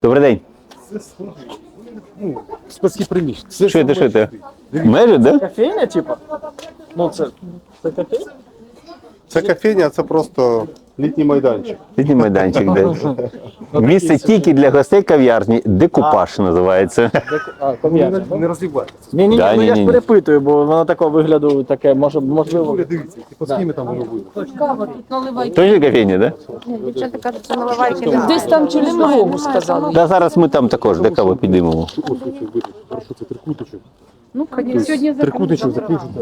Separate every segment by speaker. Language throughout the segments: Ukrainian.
Speaker 1: Добрий день.
Speaker 2: Складські приміщення.
Speaker 1: Що ти? Межі, да?
Speaker 3: Кофейня, типа? Ну, це кофейня?
Speaker 2: Це кофейня, це просто літній майданчик.
Speaker 1: Літній майданчик, де. Місце тільки для гостей кав'ярні. Декупаж називається.
Speaker 3: Кав'ярня.
Speaker 2: Не розлівається.
Speaker 3: Ні,
Speaker 1: Да,
Speaker 3: ну я ж
Speaker 1: ні-ні.
Speaker 3: перепитую, бо воно такого вигляду таке, можливо.
Speaker 2: Дивіться, по схемі там воно буде.
Speaker 4: Кава, тут наливайте.
Speaker 1: Точно кофейня, да?
Speaker 4: Дівчата кажуть, що наливайте.
Speaker 5: Десь там через дорогу сказали.
Speaker 1: Да, зараз ми там також до кави підіймемо.
Speaker 2: Ось це буде. Хорошо, це трикутичок.
Speaker 4: Ну, конечно. Сьогодні
Speaker 2: Трикутичок закручується.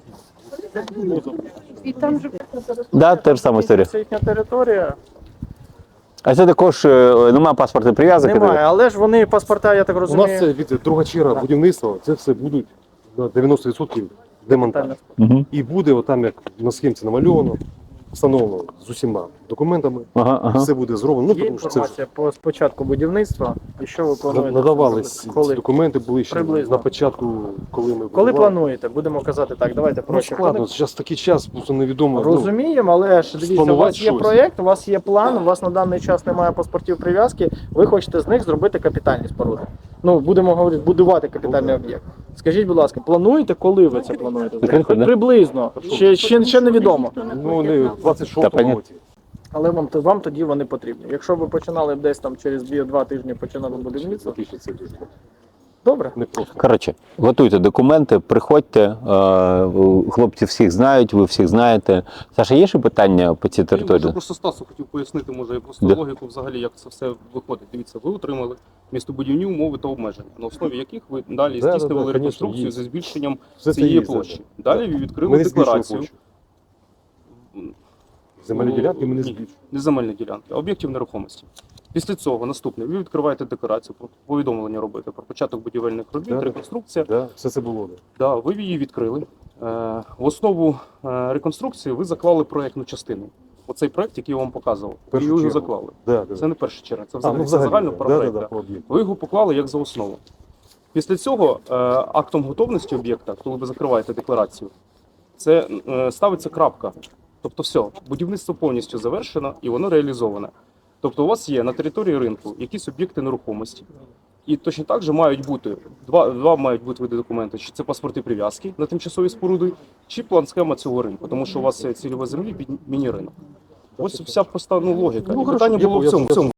Speaker 4: І там же
Speaker 1: Да, та ж сама історія.
Speaker 3: Це їхня територія.
Speaker 1: А це також немає паспортної прив'язки?
Speaker 3: Немає, але ж вони паспорта, я так
Speaker 2: У нас
Speaker 3: розумію.
Speaker 2: це від друга черга будівництва, це все будуть на 90% демонтаж.
Speaker 1: Угу.
Speaker 2: І буде отам, як на схемці намальовано, встановлено з усіма документами.
Speaker 1: Ага.
Speaker 2: Все буде зроблено. Ну,
Speaker 3: Є
Speaker 2: тому що це ж
Speaker 3: інформація по спочатку будівництва, і що ви плануєте?
Speaker 2: надавались ці
Speaker 3: Коли?
Speaker 2: документи, були ще
Speaker 3: Приблизно.
Speaker 2: на початку, коли ми
Speaker 3: Коли
Speaker 2: будували.
Speaker 3: плануєте? Будемо казати так, давайте
Speaker 2: Ну,
Speaker 3: проще.
Speaker 2: складно, зараз такий час, просто невідомо.
Speaker 3: Розуміємо, але ж дивіться, у
Speaker 2: спланувати
Speaker 3: вас є
Speaker 2: щось.
Speaker 3: проєкт, у вас є план, у вас на даний час немає паспортів прив'язки, ви хочете з них зробити капітальні споруди. Ну, будемо говорити, будувати капітальний об'єкт. Скажіть, будь ласка, плануєте, коли ви це плануєте?
Speaker 1: Закрито, да?
Speaker 3: Приблизно. Ще невідомо.
Speaker 2: Ну, не в
Speaker 1: Та
Speaker 2: 26-му
Speaker 1: понятно.
Speaker 2: році.
Speaker 3: Але вам тоді вони потрібні. Якщо ви починали б десь там через 2 тижні починали будівництво,
Speaker 2: Фактично, це дуже
Speaker 3: добре.
Speaker 2: не просто.
Speaker 1: Коротше, готуйте документи, приходьте, хлопці всіх знають, ви всіх знаєте. Саша, є ще питання по цій
Speaker 6: Я
Speaker 1: території?
Speaker 6: просто Стасу хотів пояснити, може, я просто
Speaker 1: Да.
Speaker 6: логіку взагалі, як це все виходить. Дивіться, ви отримали містобудівні умови та обмеження, на основі яких ви далі
Speaker 2: Да,
Speaker 6: здійснювали
Speaker 2: конечно,
Speaker 6: реконструкцію
Speaker 2: є.
Speaker 6: зі збільшенням
Speaker 2: Все це
Speaker 6: цієї
Speaker 2: є,
Speaker 6: площі.
Speaker 2: да.
Speaker 6: Далі ви відкрили
Speaker 2: Ми не збільшуємо
Speaker 6: декларацію.
Speaker 2: площу. Земельні ділянки ми не
Speaker 6: Ні,
Speaker 2: збільшуємо.
Speaker 6: не земельні ділянки, а об'єктів нерухомості. Після цього наступне, ви відкриваєте декларацію, про повідомлення робите про початок будівельних робіт,
Speaker 2: Да.
Speaker 6: реконструкція.
Speaker 2: Да, все це було. Да.
Speaker 6: Да, ви її відкрили. В основу реконструкції ви заклали проєктну частину. Оцей проєкт, який я вам показував, ви
Speaker 2: Першу
Speaker 6: його
Speaker 2: чергу.
Speaker 6: заклали.
Speaker 2: Да, да.
Speaker 6: Це не перша черга, це
Speaker 2: А,
Speaker 6: взагалі,
Speaker 2: ну,
Speaker 6: це загально
Speaker 2: да,
Speaker 6: про
Speaker 2: да,
Speaker 6: проєкт.
Speaker 2: да,
Speaker 6: да.
Speaker 2: по об'єкту.
Speaker 6: Ви його поклали як за основу. Після цього актом готовності об'єкта, коли ви закриваєте декларацію, це ставиться крапка. Тобто все, будівництво повністю завершено і воно реалізоване. Тобто у вас є на території ринку якісь об'єкти нерухомості. І точно так же мають бути, два мають бути види документів, чи це паспорти прив'язки на тимчасові споруди, чи план-схема цього ринку, тому що у вас є цільова землі під міні-ринок. Ось вся проста логіка. І питання було в цьому.